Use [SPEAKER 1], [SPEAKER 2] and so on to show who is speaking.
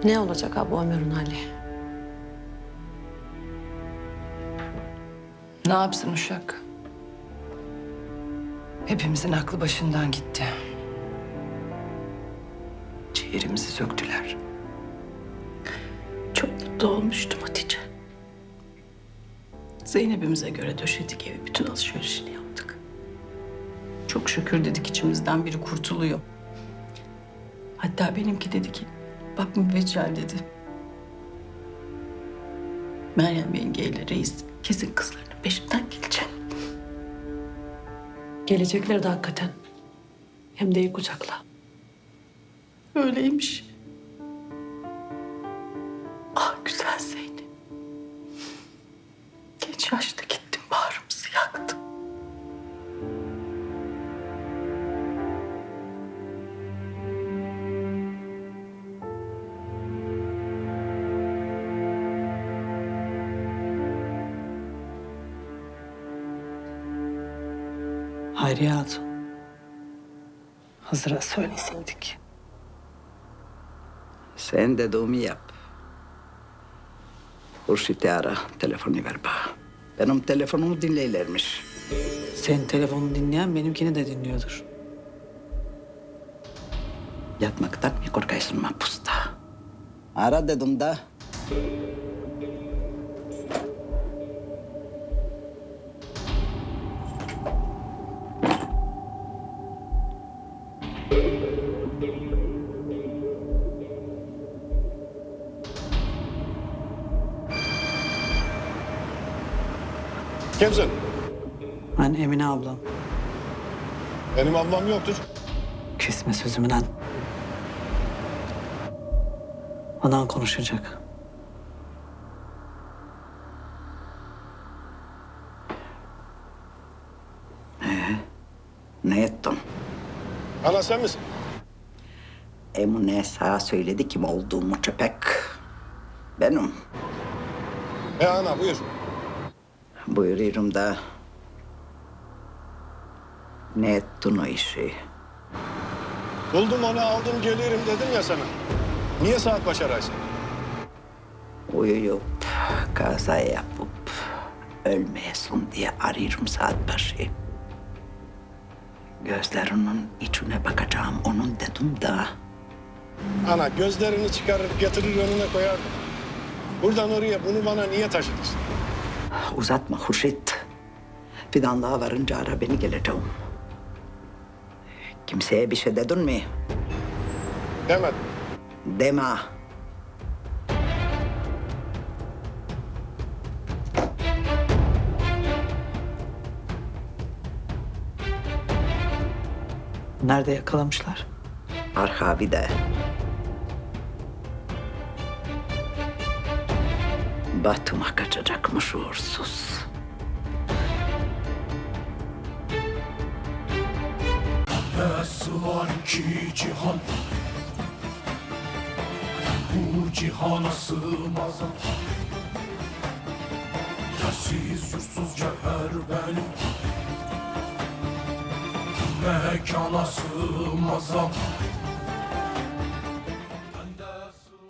[SPEAKER 1] Ne olacak abi Ömer'in hali?
[SPEAKER 2] Ne yapsın uşak? Hepimizin aklı başından gitti. Ciğerimizi söktüler.
[SPEAKER 1] Çok mutlu olmuştum Hatice. Zeynep'imize göre döşedik evi, bütün alışverişini yaptık. Çok şükür dedik içimizden biri kurtuluyor. Hatta benimki dedi ki, bak mübeccel dedi. Meryem yengeyle reis kesin kızlarının peşinden gelecek. Gelecekler de hakikaten. Hem de iyi kucakla. Öyleymiş. Ah güzel Zeynep. Genç yaşta gittim, bağrımızı yaktım.
[SPEAKER 3] Hayriye Hatun. Hızır'a söyleseydik.
[SPEAKER 4] Sen dediğimi yap. Hurşit'i ara, telefonu ver bana. Benim telefonumu dinleylermiş.
[SPEAKER 3] Senin telefonunu dinleyen benimkini de dinliyordur.
[SPEAKER 4] Yatmaktan mı korkaysın mahpusta? Ara dedim da.
[SPEAKER 5] Kimsin?
[SPEAKER 3] Ben Emine ablam.
[SPEAKER 5] Benim ablam yoktur.
[SPEAKER 3] Kesme sözümü lan. Anan konuşacak.
[SPEAKER 4] Ne ettin?
[SPEAKER 5] Ana sen misin?
[SPEAKER 4] Emine sana söyledi kim olduğumu köpek. Benim.
[SPEAKER 5] Ana buyur.
[SPEAKER 4] Buyuruyorum da. Ne ettin o işi?
[SPEAKER 5] Buldum onu aldım gelirim dedim ya sana. Niye saat başı araysın?
[SPEAKER 4] Uyuyup, kaza yapıp, ölmeyesin diye arıyorum saat başı. Gözlerinin içine bakacağım onun dedim da.
[SPEAKER 5] Ana gözlerini çıkarır getirir önüne koyar. Buradan oraya bunu bana niye taşıdın?
[SPEAKER 4] Uzatma Hurşit. Fidanlığa varınca ara beni geleceğim. Kimseye bir şey dedin mi?
[SPEAKER 5] Demedim.
[SPEAKER 4] Deme.
[SPEAKER 3] Nerede yakalamışlar?
[SPEAKER 4] Arhavi'de. Batum'a kaçacakmış uğursuz.
[SPEAKER 6] Nasıl var ki cihan, bu cihana sığmaz. Yersiz yursuz cevher benim, mekana sığmaz.